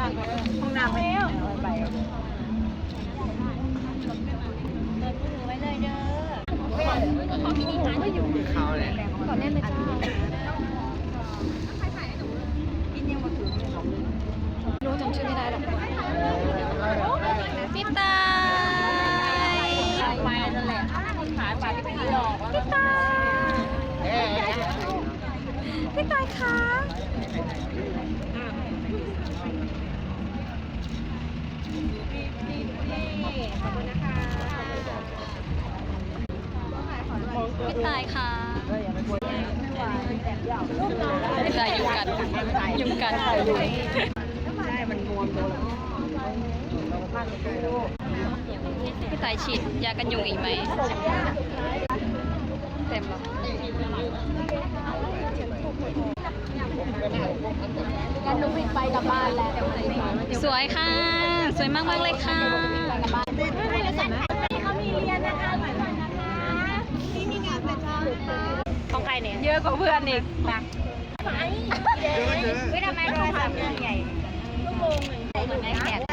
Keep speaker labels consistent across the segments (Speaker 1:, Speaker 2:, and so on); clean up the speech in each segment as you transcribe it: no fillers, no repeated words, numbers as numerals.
Speaker 1: ห้องน้ำไปไปไว้เลยเด้อเขาแหละก่อนแน่เลยจ้ารู้จำชื่อไม่ได้หรอกพี่ตายไปนั่นแหละขายไปที่ไม่หลอกพี่ตายพี่ตายคะพี่ตายค่ะพี่ตายยุ่งกันยุ่งกันใช่มันมวนตัวพี่ตายฉีดยากันยุงอีกไหมเต็มหรอกันนุ้งไปกลับบ้านแล้วสวยค่ะสวยมากเลยค่ะเขามีเรียนนะคะนี่มีงานแต่เช้าของใครเนี่ยเยอะกว่าเพื่อนอีกนะไม่ทำไมโทรศัพท์ใหญ่ชั่วโมงหนึ่งเหมือนไอแพด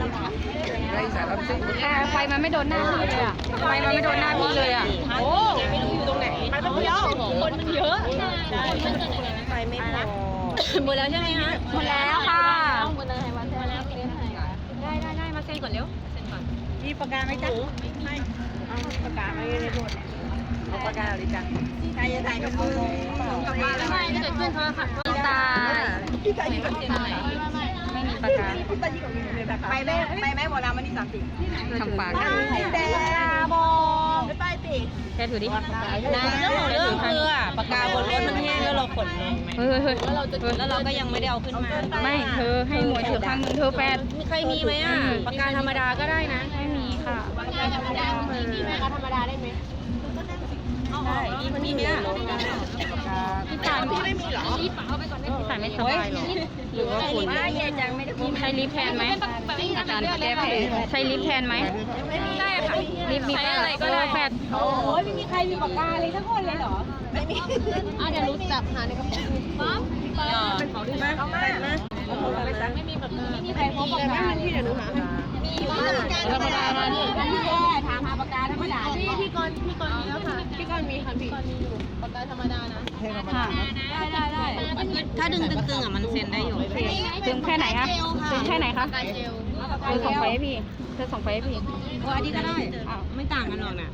Speaker 1: ไฟมันไม่โดนหน้าพี่เลยอ่ะไฟมันไม่โดนหน้าพี่เลยอ่ะโอ้ไม่รู้อยู่ตรงไหนมันเยอะคนมันเยอะไฟไม่พอหมดแล้วใช่ไหมคะหมดแล้วค่ะหมดเลยวันแล้วได้มาเซ็นก่อนเร็วเซ็นก่อนมีปากกาไหมจ๊ะไม่ปากกาไม่ได้หมดเอาปากกาเลยจ้ะใครจะถ่ายกับมือกลับบ้านแล้วไม่เกิดขึ้นโทรศัพท์พี่ตาพี่ตาอยู่กับที่ไหนไม่มีปากกาพี่ตาอยู่กับมีปากกาไปไหมหมดแล้ววันที่30ทำปากกันแต่บอกไปติแค่ถือดินะเรื่องคือปากกาบนรถมันแห้งแล้วเราขนลงไหมแล้วเราก็ยังไม่ได้เอาขึ้นมาไม่เธอให้หมวยถือข้างมือเธอแปดใครมีไหมอ่ะปากกาธรรมดาก็ได้นะไม่มีค่ะปากกาธรรมดามีไหมธรรมดาได้ไหมได้มีไหมอ่ะพี่ตายไม่มีหรอพี่ตายไม่สบายหรอหรือว่าคุณใช้ลิฟแทนไหมอาจารย์แก้แผลใช้ลิฟแทนไหมได้ค่ะลิฟมีอะไรก็ได้แฟดโอ้ยไม่มีใครมีปากกาเลยทั้งคนเลยเหรอไม่มีเดี๋ยวรู้จับหาในกระเป๋าปั๊บเขาดีมากเอามาไม่มีปากกาไม่มีใครพกปากกาที่เดี๋ยวหนูหามีปากกาธรรมดามาดิถามหาปากกาธรรมดาพี่กรณ์มีแล้วค่ะพี่กรณ์มีค่ะพี่กรณ์มีอยู่ปากกาธรรมดานะได้ถ้าดึงตึงอ่ะมันเซ็นได้อยู่ดึงแค่ไหนคะดึงแค่ไหนคะเธอส่งไปให้พี่เธอส่งไปให้พี่โอ้อันนี้ก็ได้ไม่ต่างกันหรอกนะ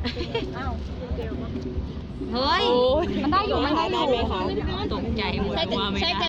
Speaker 1: เฮ้ยมันได้อยู่ไหมคะตกใจหมดว่าไม่ได้